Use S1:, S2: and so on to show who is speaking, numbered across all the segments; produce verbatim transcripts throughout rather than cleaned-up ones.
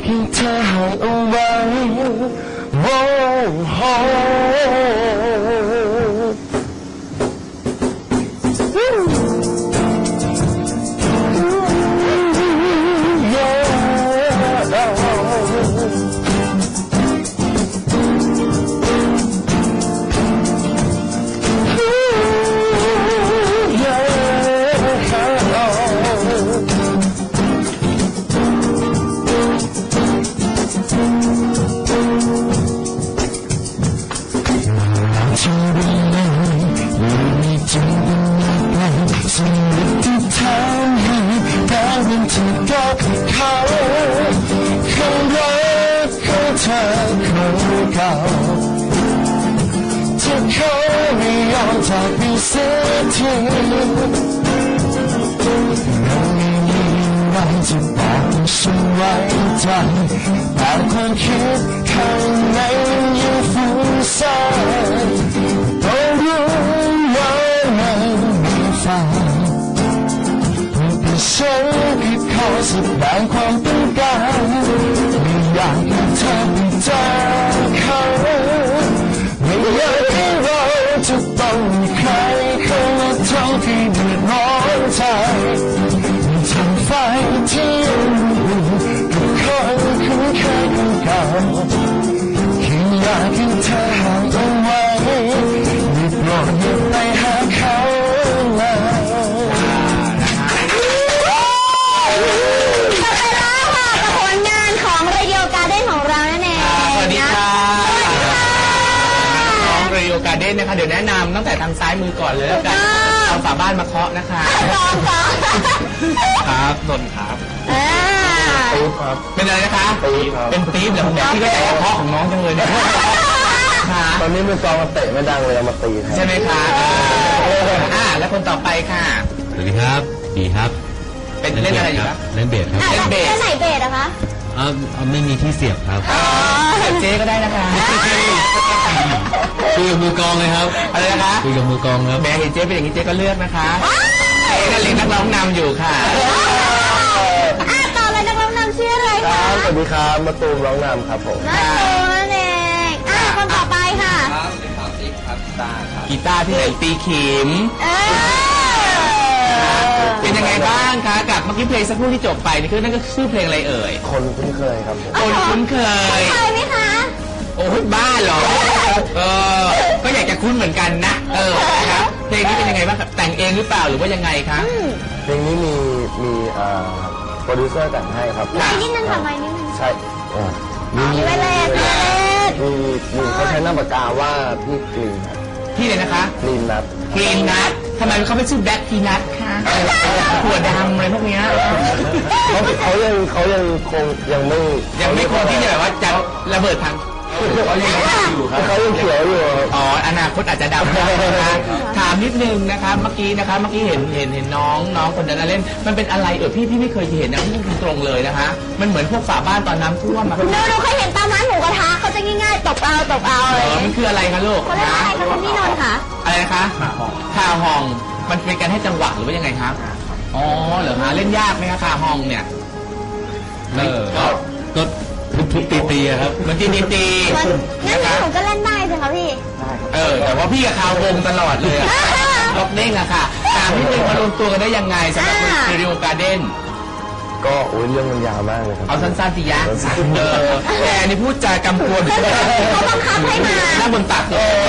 S1: ให้เธอให้เอาไว้โว้โหสิ่งที่ทำให้ดาวเป็นที่กับเขาคำรักของเธอคนเก่าที่เขาไม่ยอมจากไปเสียทีเราไม่มีอะไรจะบอกให้ฉันไว้ใจแต่ความคิดข้างในยังฟุ้งซ่านต้องรู้ว่าไม่มีฝันฉันคิดขอแสดงความต้องการไม่อยากให้เธอไปเจอเขาไม่อยากให้เราจะต้องมีใครเข้ามาทำให้เดือดร้อนใจทำไฟที่ยังอยู่กับคนคุ้นเคยของเก่าแค่อยากให้เธอห่างเอาไว้ไม่โปรดอย่าไปหาเขา
S2: การเด้นนะคะเดี๋ยวแนะนำตั้งแต่ทางซ้ายมือก่อนเลยแล้วกันเอาฝาบ้านมาเคาะนะคะครับนนท์ครับปี๊บครับเป็นอะไรนะคะเป็นปี๊บเหรอผมอยากที่ก็ใจเคาะของน้องจังเลยเนี่ย
S1: ตอนนี้มือกลองมาเตะไม่ดังเลยเอามาตี
S2: ใช่ไหมคะอ่าแล้วคนต่อไปค่ะ
S3: สวัสดีครับดีครับ
S2: เป็นเล่นอะไรอยู่ครับ
S3: เล่นเบสครับ
S4: เล่นเบสเล่นไหนเบสอะคะ
S3: อ่าไม่มีที่เสียบครับ
S2: เจ๊ก็ได้นะคะ
S3: คุยกับมือกองเลยครับ
S2: อะไรนะคะ
S3: คุยกับมือกองครับ
S2: แม่เห็นเจ๊เป็นอย่างนี้เจ๊ก็เลือกนะคะเจ๊ก็เลี้ยงนักร้องนำอยู่ค่ะ
S4: ต่อเลยนักร้องนำชื่ออะไรคะ
S1: สวัสดีครับมาตูมร้องนำครับผม
S4: มาตูมนั่นเองอ่ะคนต่อไปค่ะ
S2: ครับสวัสดีครับติ๊กครับกีตาร์ครับกีตาร์ที่ไหนตีขิมเป็นยังไงบ้างคะกับเมื่อกี้เพลงสักครู่ที่จบไปนี่คือนั่นก็ชื่อเพลงอะไรเอ่ย
S1: คนคุ้นเคยครับ
S2: คนคุ้นเคย
S4: เคยไหมคะ
S2: โอ้ยบ้าเหรอเออก็อยากจะคุ้นเหมือนกันนะเออครับเพลงนี้เป็นยังไงบ้างแต่งเองหรือเปล่าหรือว่ายังไงคะ
S1: เพลงนี้มีมีโปรดิวเซอร์แต่งให้ครับ
S4: ไม่นิดนึงทำไมนิดนึง
S1: ใช่
S4: มีเวลา
S1: มีมีเขาใช้หน้าปากกาว่าพี่กรีน
S2: พี่เลยนะคะ
S1: กรีนนัท
S2: กรีนนัททำไมเขาไม่ชื่อแบ็คทีนัทคะหัวดำอะไรพวกนี้
S1: เขาเขายังเขายังคงยังไม่
S2: ยังไม่คงที่จะแบบว่าจะระเบิดทาง
S1: เขายังอยู่ครับเขายังเขียวอยู่
S2: อ๋ออนาคตอาจจะดำนะคะถามนิดนึงนะคะเมื่อกี้นะคะเมื่อกี้เห็นเห็นเห็นน้องน้องคนนั้นเล่นมันเป็นอะไรเออพี่พี่ไม่เคยเห็นนะพูดตรงเลยนะคะมันเหมือนพวกฝาบ้านตอนน้ำท่วมมา
S4: หนูหนูเคยเห็นตามร้านหมูกระทะเขาจะง่ายๆตบเอาตบเอาเลย
S2: มันคืออะไรคะลูก
S4: เขาเรียกอะไรคะคุณพี่นนท์คะ
S2: อะไรนะคะข่าวห้องมันเป็นการให้จังหวะหรือว่ายังไงครับอ๋อเหรอฮะเล่นยากไหมคะข่าวห้องเนี่ย
S3: เออก็ทุบๆตีๆครับ
S2: มันตีตี
S4: งั้นผมก็เล่นได้ใช่ไหมพี่
S2: เออแต่ว่าพี่กับข่าววงตลอดเลยล็อกเด้งอะค่ะตามนิดนึงมารวมตัวกันได้ยังไงสำหรับเรดิโอการ์เด้น
S1: ก็โอ้ยเรื่องมันยาวมากเลยครับ
S2: เอาสั้นๆสิยะเออแต่อันนี้พูดจากำกวม
S4: เขาบังคับให้มา
S2: หน้าบนตัก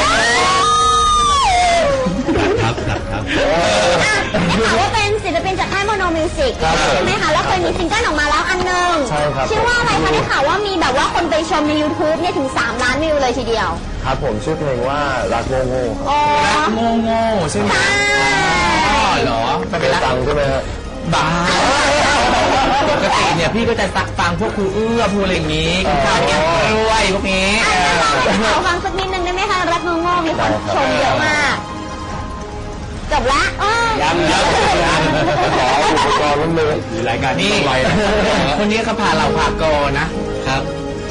S3: ครับครับครับ
S4: ได้ข่าวว่าเป็นศิลปินจากค่ายโมโนมิวสิกใช่ไหมคะแล้วเคยมีซิงเกิลออกมาแล้วอันนึง
S1: ใช่ครับ
S4: ชื่อว่าอะไรคะได้ข่าวว่ามีแบบว่าคนไปชมใน ยูทูบ เนี่ยถึงสามล้านวิวเลยทีเดียว
S1: ครับผมชื่อเพลงว่ารักโง่โง่
S2: รักโง่โง่ใช่ไหมอ๋อเหรอ
S1: เป็นตังใช่ไหมฮะ
S2: บ้าปกติเนี่ยพี่ก็จะฟังพวกครูเอื้อพูดอะไรอย่างนี้คุณข้าวเนี่ยรวยพวกนี้
S4: ขอฟังสักนิดนึงได้ไหมคะรักโง่โง่มีคนชมเยอะมากจบละ
S2: ย้ำย้ำย้ำ
S1: ขออุปกรณ์มันเลย
S2: รายการนี้คนนี้เขาพาเราพากอนะครับ
S4: ย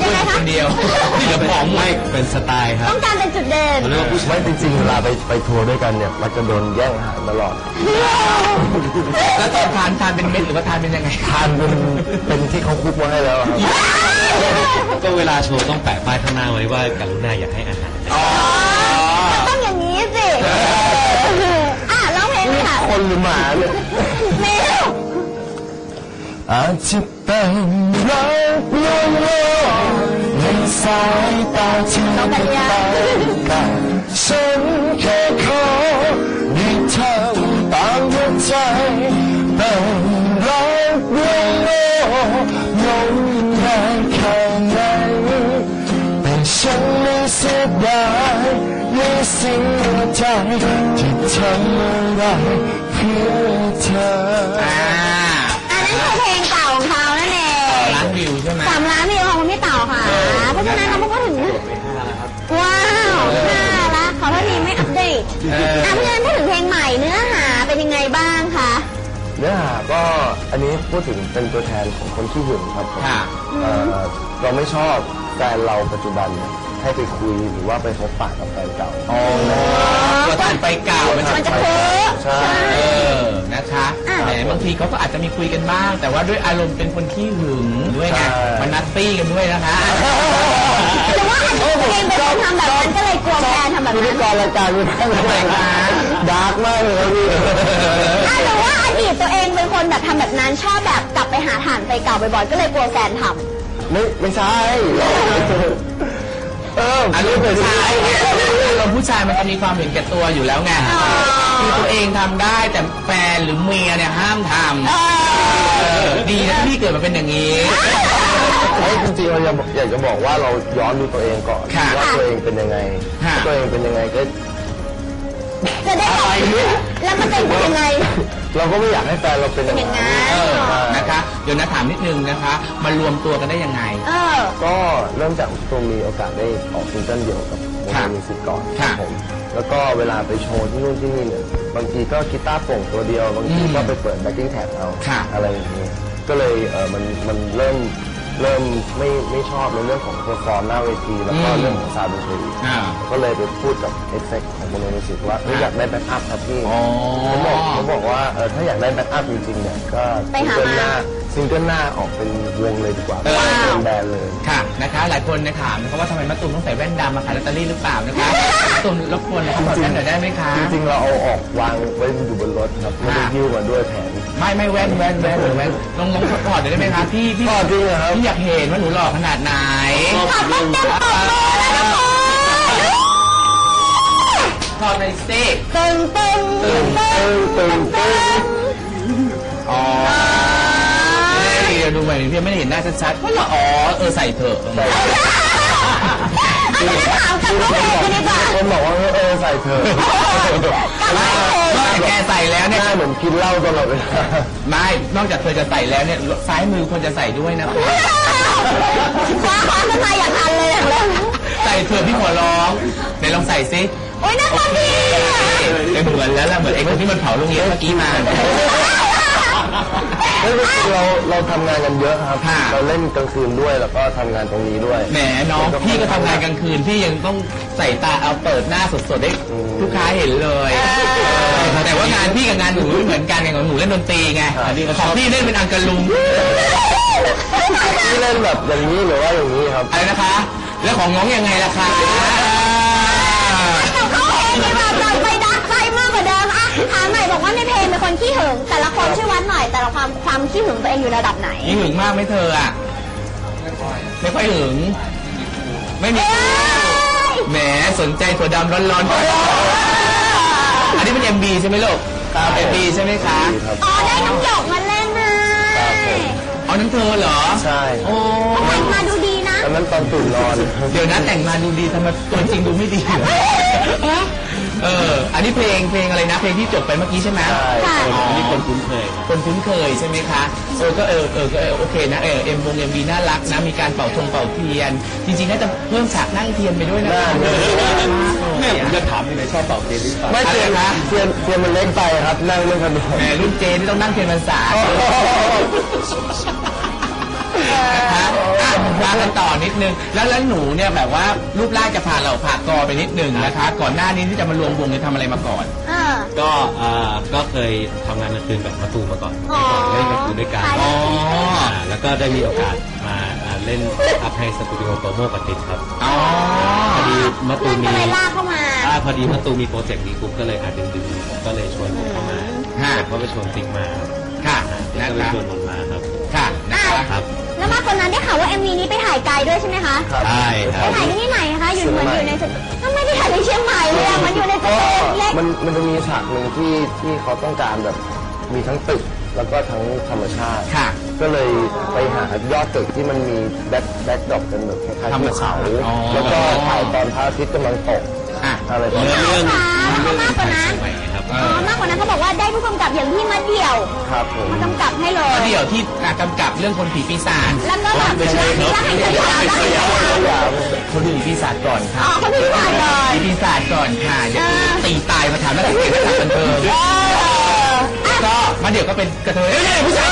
S4: ยังไงคะ
S2: คนเดียวที่เหลือผอมหม
S3: ไม่
S2: ด
S3: เป็นสไตล์ครับ
S4: ต้องการเป็นจุดเด่น
S3: เขาเรียกว่าผู้ชาย
S1: ไม่จริงๆเวลาไปไปทัวร์ด้วยกันเนี่ยมันจะโดนแย่งอาหารตลอด
S2: แล้วตอนทานทานเป็นเม็ดหรือว่าทานเป็นยังไง
S1: ทานเป็นเป็นที่เขาคุกมาให้แล้วครับ
S3: ก็เวลาโชว์ต้องแปะป้ายข้างหน้าไว้ว่ากรุณาอย่าให้อาหาร
S4: มันต้องอย่างนี้สิอ่ะร้องเพลงเลยค่ะ
S1: คนหรือหมาเนี่ย
S4: เมล
S1: อาจจะเป็นรักลวงโลกในสายตาที่ไม่ตาแต่ฉันแค่ขอให้เธอตามหัวใจเป็นรักลวงโลกลงแรงแค่ไหนแต่ฉันไม่เสียดายในสิ่งใจที่ทำอะไรเพื่อเธอ
S2: อ่า
S4: อันนั้นคือเพลงเก่าของเขานั่นเอง
S2: ล้านวิวใช่ไหม
S4: สามล้านวิวของคุณพี่เต่าค่ะ เพราะฉะนั้นเราก็ถึงว้าวน่ารักขอโทษทีไม่อัปเดต
S2: เออ
S4: อ่ะเพราะฉะนั้นพูดถึงเพลงใหม่เนื้อหาเป็นยังไงบ้างคะ
S1: เนื้อหาก็อันนี้พูดถึงเป็นตัวแทนของคนที่หึงครับผม
S2: ค่ะ
S1: เอ่อเราไม่ชอบแฟนเราปัจจุบันเนี่ยให้ไปคุยหรือว่าไปพบปะกับแฟนเก่า
S2: อ๋อตัวทานไปเก่ามัน
S4: มันจะเพ้อ
S1: ใช่
S2: เออนะคะ
S4: อ่ะ
S2: แหมบางทีเขาก็อาจจะมีคุยกันบ้าง แต่ว่าด้วยอารมณ์เป็นคนขี้หึงด้วยไงมันนัตตี้กันด้วยนะคะ
S4: หรือว่าอันนี้ตัวเองเป็นคนทำแบบนั้นก็เลยกลัวแฟนทำแบบ
S1: พิธี
S4: นั้น
S1: กรรายการมันทั้งรายการดาร์กมากเลยครับพี่
S4: อ่ะหรือว่าอดีตตัวเองเป็นคนแบบทำแบบนั้นชอบแบบกลับไปหาฐานไปเก่าบ่อยๆก็เลยกลัวแฟนทำ
S1: ไม่ไม่ใช่เออ
S2: อารมณ์ผู้ชายอารมณ์ผู้ชายมันจะมีความเห็นแก่ตัวอยู่แล้วไงคือตัวเองทำได้แต่แฟนหรือเมียเนี่ยห้ามทำเออดีนะที่พี่เกิดมาเป็นอย่างนี้
S1: เฮ้ยจริงๆเราอยากอยากจะบอกว่าเราย้อนดูตัวเองก่อน
S2: ค่ะ
S1: ว่าตัวเองเป็นยังไง
S2: ค่ะ
S1: ถ้าตัวเองเป็นยังไงก็
S4: จะได้แบบแล้วมันเป็นยังไง
S1: เราก็ไม่อยากให้แฟนเราเป็นอย่าง
S4: อย่างนั้
S1: นั้น
S2: เออนะคะ เดี๋ยวนะถามนิดนึงนะคะ มารวมตัวกันได้ยังไง
S4: เออ
S1: ก็เริ่มจากตัวมีโอกาสได้ออกซิงเกิลเดี่ยวกับวง
S2: ค่ะ
S1: มิวสิกก่อน
S2: ค่ะ
S1: ผมแล้วก็เวลาไปโชว์ที่นู่นที่นี่เนี่ยบางทีก็กีตาร์โปร่งตัวเดียวบางที
S2: อืม
S1: ก็ไปเปิดแบ็คกิ้งแท็บเอา
S2: ค่ะ
S1: อะไรอย่างนี้ก็เลยเออมันมันเริ่มเริ่มไม่ไม่ชอบในเรื่องของเพอร์ฟอร์มหน้าเวทีแล้วก็
S2: อืม
S1: เรื่องของซาวด์ดนตรี
S2: อ่า
S1: ก็เลยไปพูดกับเอ็กเซกของวงมิวสิกว่าเอ้ยอยากได้แบ็คอัพครับพี่
S2: อ๋อ
S1: เขาบอกเขาบอกว่าเออถ้าอยากได้แบ็คอัพจริงๆเนี่ยก็
S4: ไป
S1: ซิง
S4: หา
S1: เกิลหน้าซิงเกิลหน้าออกเป็นวงเลยดีกว่า
S2: เออ
S1: เป็นแบรนด์เลย
S2: ค่ะนะคะ หลายคนเนี่ยถามนะคะว่าทำไมมะตูมต้องใส่แว่นดำมาขายลอตเตอรี่หรือเปล่านะคะมะตูมรบกวนเขาบอกแว่นหน่อยได้ไหมคะ
S1: จริงๆ เราเอาออกวางไว้อยู่บนรถครับไม่ได้ยิ้วมาด้วยแผน
S2: ไม่ไม่แว่นแว่นแว่นแว่นลองลองถอดหน่อยได้ไหมคะพี่พี่
S1: ถอดจริงเหรอครับ
S2: พี่อยากเห็นว่าหนูหล่อขนาดไหน
S4: ขอบคุณเต็มปกมือแล้วนะคุณ
S2: ถอดหน่อยสิ
S4: ตึงตึงตึงตึงตึงตึง
S2: อ๋อเดี๋ยวดูใหม่พี่ไม่ได้เห็นหน้าชัดๆว่าเราอ๋อเออใส่เถอะ
S4: อันนี้ถามกับน้องเพลงกันดีกว่า
S1: คนบอกว่าเออใส่เธอะ
S2: ไม่นอกจากแกใส่แล้ว
S1: ห
S2: เนี่ย
S1: น้าเหมือนกินเหล้าตลอดเวลา
S2: ไม่นอกจากเธอจะใส่แล้วเนี่ยซ้ายมือควรจะใส่ด้วยนะ
S4: คว้าคว้าขึ้นมาอย่างทันเลยอย่างเร็ว
S2: ใส่เถอะพี่ขอร้องไหนลองใส่ซิ
S4: โอ้ยน่ารักดีอ่ะ
S2: เป็นเหมือนแล้วล่ะเหมือนไอ้คนที่มันเผาโรงเรียนเมื่อกี้มา
S1: เฮ้ยจริงๆเราเราทำงานกันเยอะครับ
S2: ค่ะ
S1: เราเล่นกลางคืนด้วยแล้วก็ทำงานตรงนี้ด้วย
S2: แหมน้องพี่ก็ทำงานกลางคืนพี่ยังต้องใส่ตาเอาเปิดหน้าสดๆให้ลูกค้าเห็นเลยแต่ว่างานพี่กับงานหนูไม่เหมือนกันไงของหนูเล่นดนตรีไงของพี่เล่นเป็นอังกะลุง
S1: ที่เล่นแบบอย่างนี้หรือว่าอย่างนี้ครับ
S2: อะไรนะคะ แล้วของน้องยังไงล่ะคะ
S4: กับเขาเองดีกว่าเราไปดักไฟมากกว่าเดิมอ่ะถามหน่อยบอกว่าในเพลงเป็นคนขี้หึงแต่ละคนช่วยวัดหน่อยแต่ละความความขี้หึงตัวเองอยู่ระดับไหน
S2: นี่หึงมากไหมเธออ่ะไม่ค่อยหึงไม่มีแหมสนใจถั่วดำร้อนๆอันนี้เป็น เอ็ม บี ใช่ไหมลูก
S1: ครับ
S2: เอ็ม บี ใช่ไหมคะ
S1: ครับ
S4: อ๋อได้น้ำหยกมาเล่นนะครับ
S1: ผม
S2: เอานั้นเธอเหรอ
S1: ใช่
S2: โอ้
S4: แต่งมาดูดีนะ
S1: ตอนนั้นตอนตื่นนอน
S2: เดี๋ยวนะแต่งมาดูดีทำไมตัวจริงดูไม่ดีเหรอเออ อันนี้เพลงเพลงอะไรนะ เพลงที่จบไปเมื่อกี้ใช่ไหม
S1: ใช่
S4: ค่ะ
S3: อันนี้คนคุ้นเคยครับ
S2: คนคุ้นเคยใช่ไหมคะเออก็เออเออก็เออโอเคนะเออเอ็มวงเอ็มบีน่ารักนะมีการเป่าธงเป่าเทียน จริงๆน่าจะเพิ่มฉากนั่งเทียนไปด้วยนะ
S1: ได้
S3: แม่ผมจะถามยังไงชอบเป่าเทียนหรือเปล่า
S1: ไม่เทียน
S2: อะไรนะ
S1: เทียนเทียนมันเล็กไปครับนั่งไม่สะดวก
S2: แหมรุ่นเจนี่ต้องนั่งเทียนพรรษานะคะอ่ะมากันต่อนิดนึงแล้วแล้วหนูเนี่ยแบบว่ารูปร่างจะผ่านเราผ่ากอไปนิดนึงนะคะก่อนหน้านี้ที่จะมารวมวงเนี่ยทำอะไรมาก่อน
S4: เออ
S3: ก็อ่าก็เคยทำงานกลางคืนกับมะตูมมาก่อน
S4: อ๋อ
S3: เล่นกลางคืนด้วยกัน
S4: ขายแล้ว
S3: อ่าแล้วก็ได้มีโอกาสมาอ่าเล่นอัพให้สตูดิโอโปรโมกับติดครับ
S2: อ๋อ
S3: พอดีมะตู
S4: เพื่อน
S3: ม
S4: ก็
S3: มี
S4: เลยลากเข้ามา
S3: อ่าพอดีมะตูมมีโปรเจกต์นี้ปุ๊บก็เลยอาจดึงดึงผมก็เลยชวนผมเข้ามา
S2: ค่ะ
S3: ผมก็ไปชวนติ๊กมาครับ
S2: ค่ะ
S3: ติ๊ก
S2: นะ
S3: ก็เลย
S2: คะ
S3: ชวนผมมาครับ
S2: ค่ะนะคะ
S3: ครับ
S4: แล้วมากกว่านั้นได้ข่าวว่า เอ็ม วี นี้ไปถ่ายไกลด้วยใช่ไหมคะ
S3: ใช่ค
S4: ไป
S3: รับ
S4: ถ่ายที่ไหนคะ อยู่เหมือนอยู่ในสตูทำไมไปถ่ายในเชียงใหม่เลยอะมันอยู่ในส
S1: ก็
S4: ตูเล็ก
S1: มันมันจะมีฉากหนึ่งที่ที่เขาต้องการแบบมีทั้งตึกแล้วก็ทั้งธรรมชาติ
S2: ค่ะ
S1: ก็เลยไปหายอดตึกที่มันมีแบ็คแบ็คดรอปเป็นแบบคล้ายๆ
S2: ธรรม
S1: ภู
S2: ชา
S1: เขา
S2: ติอ๋อ
S1: แล้วก็ถ่ายตอนพระอาทิตย์กำลังตก
S2: อ่ะ
S1: อะไรประ
S3: เนื้
S1: มา
S3: อ
S1: ณนี้
S3: เรื่อง
S4: ค่ะ
S3: เรื่อง
S4: มากกว่านั้น
S3: สมัยครับ
S2: เอ
S4: อ๋อ
S2: อ
S4: มากกว่านั้นเขาบอกว่าได้ผู้กำกับอย่างพี่มาเดี่ยว
S1: ครับผม
S4: มากำกับให้เลย
S2: เดี๋ยวที่กำกับเรื่องคนผีปีศาจ
S4: แล้วก็แบบรักรักให้สยามรักให้สยาม
S2: คนผีปีศาจก่อนค่ะ
S4: อ๋อเขาพี่ชายเลย
S2: ผีปีศาจก่อนค่ะเดี๋ยว
S4: เออ
S2: ตีตายมาถามนักเรียนนักศึกษาบันเทิง
S4: เอออ่ะ
S2: ก็มาเดี๋ยวก็เป็นกระเทยเอ้ยผู้ชาย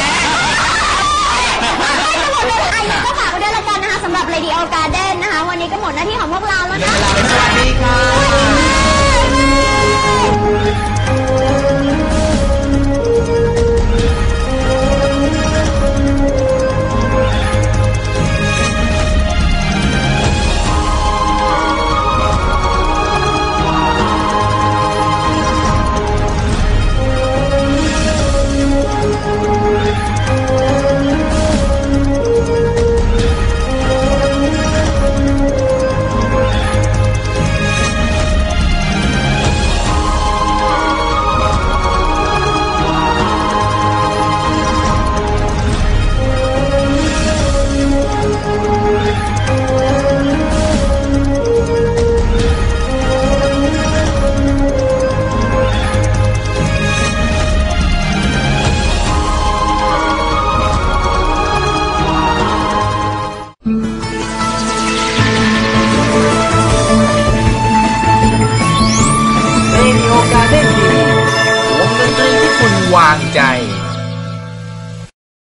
S4: ได้ทั้งหมดเลยอ่ะยังก็ฝากไว้ด้วยละกันนะคะสำหรับ Radio Garden นะคะ วันนี้ก็หมดหน้าที่ของพวกเราแล้ว
S2: เดี๋ยว
S4: นะ
S2: เวลาเป็นสวัสดีค่ะ
S5: เรดิโอการ์เด้นทีวีวงดนตรีที่คุณวางใจ